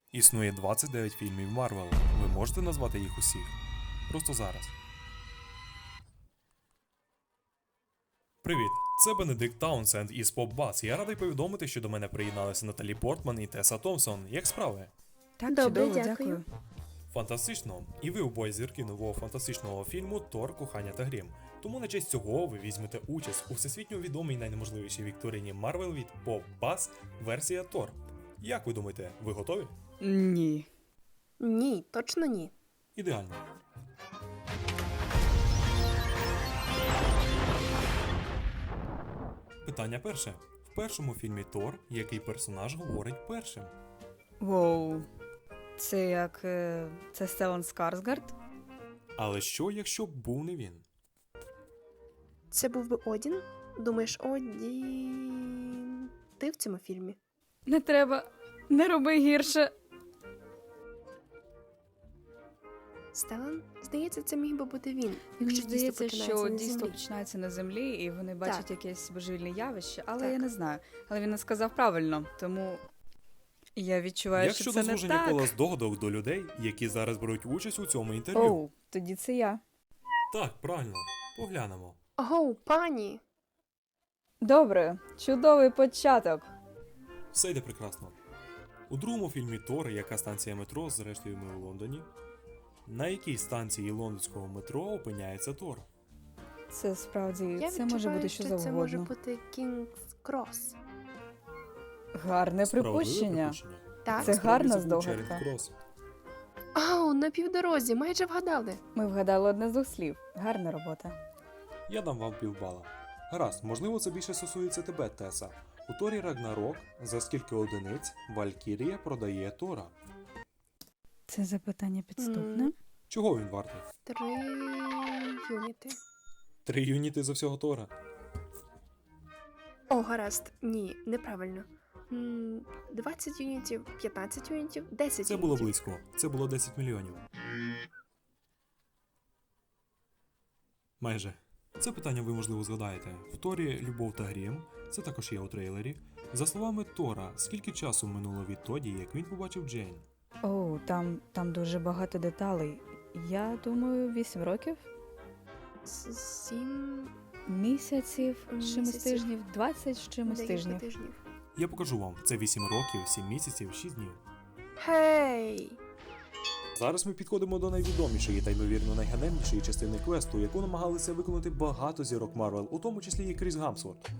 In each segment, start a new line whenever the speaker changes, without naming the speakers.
Існує 29 фільмів Марвел. Ви можете назвати їх усіх? Просто зараз. Привіт! Це Бенедикт Таунсенд із PopBuzz. Я радий повідомити, що до мене приєдналися Наталі Портман і Теса Томпсон. Як справи?
Так,
Добре,
чудово,
дякую.
Фантастично! І ви обоє зірки нового фантастичного фільму Тор, Кохання та Грім. Тому на честь цього ви візьмете участь у всесвітньо відомій найнеможливішій вікторині Марвел від PopBuzz версія Тор. Як ви думаєте, ви готові?
Ні.
Ні, точно ні.
Ідеально. Питання перше. В першому фільмі Тор який персонаж говорить першим?
Воу. Це як. Це Стеллан Скарсгард?
Але що, якщо б був не він?
Це був би Одін? Думаєш, Одін... Ти в цьому фільмі?
Не треба. Не роби гірше.
Стелан? Здається, це міг би бути він.
Мені
якщо
здається,
дійство
що
починається на
дійство
землі.
починається на землі, і вони бачать
Так.
якесь божевільне явище, але
Так.
я не знаю. Але він не сказав правильно, тому я відчуваю,
Як
що
щодо
це не
звуження
так.
кола здогадок до людей, які зараз беруть участь у цьому інтерв'ю?
Оу, тоді це я.
Так, правильно. Поглянемо.
Ого, пані!
Добре, чудовий початок.
Все йде прекрасно. У другому фільмі Тор, яка станція метро, зрештою ми у Лондоні. На якій станції лондонського метро опиняється Тор?
Це справді,
Я
це може
відчуваю,
бути що
що це може
завгодно.
бути Кінгс Крос.
Гарне
Справедливе
припущення.
Так?
Це
Справді,
гарна
був
здогадка.
Чарінг Крос.
Ау, на півдорозі, майже вгадали.
Ми вгадали одне з двох слів. Гарна робота.
Я дам вам півбала. Гаразд, можливо, це більше стосується тебе, Теса. У Торі Рагнарок за скільки одиниць Валькірія продає Тора?
Це запитання підступне.
Чого він вартий?
3 юніти.
3 юніти за всього Тора.
О, гаразд. Ні, неправильно. 20 юнітів, 15 юнітів, 10
Це
юнітів.
було близько. Це було 10 мільйонів. Майже. Це питання ви, можливо, згадаєте. В Торі Любов та Грім, це також є у трейлері. За словами Тора, скільки часу минуло відтоді, як він побачив Джейн?
О, там дуже багато деталей. Я думаю, 8 років,
7
місяців, з чимось
Місяців.
тижнів, 20 з чимось
декілька
тижнів.
тижнів.
Я покажу вам. Це 8 років, 7 місяців, 6 днів.
Гей!
Зараз ми підходимо до найвідомішої та ймовірно найганебнішої частини квесту, яку намагалися виконати багато зірок Марвел, у тому числі і Кріс Гамсворт.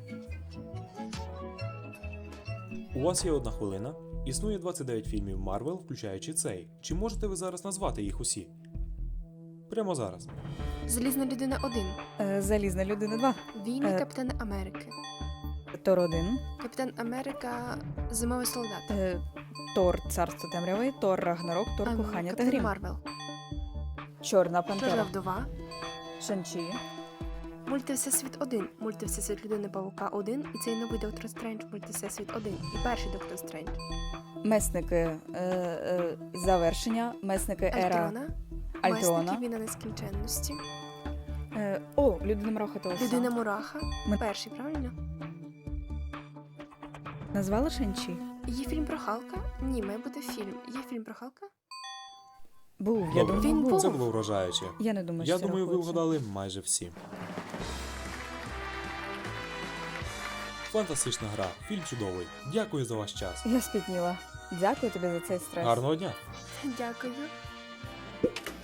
У вас є 1 хвилина. Існує 29 фільмів Марвел, включаючи цей. Чи можете ви зараз назвати їх усі? Прямо зараз.
Залізна людина 1.
Залізна людина 2.
Війни
Е.
Капітана Америки.
Тор 1.
Капітан Америка Зимовий солдат.
Тор Царство темряви, Тор Рагнарок, Тор Кохання та
Капітан
Грім.
Марвел.
Чорна
Чорна
пантера.
вдова.
Шанчі.
Мультивсесвіт 1. Мультивсесвіт людини Павука 1. І цей новий Доктор Стрендж Мультивсесвіт 1. І перший Доктор Стрендж.
Месники завершення. Месники ера
Альтрона.
Альтрона.
Месники Війна нескінченності.
Людина Мураха та Оса.
Людина Мураха.
Ми-
Перший, правильно?
Назвала Шанчі?
Є фільм про Халка? Ні, має бути фільм. Є фільм про Халка?
Був, я
Добре.
думаю,
Він
був.
був.
Це було вражаюче.
Я не думаю, що
Я
це
думаю, ви
рахується.
вгадали майже всі. Фантастична гра, фільм чудовий. Дякую за ваш час.
Я спітніла. Дякую тобі за цей стрес.
Гарного дня!
Дякую.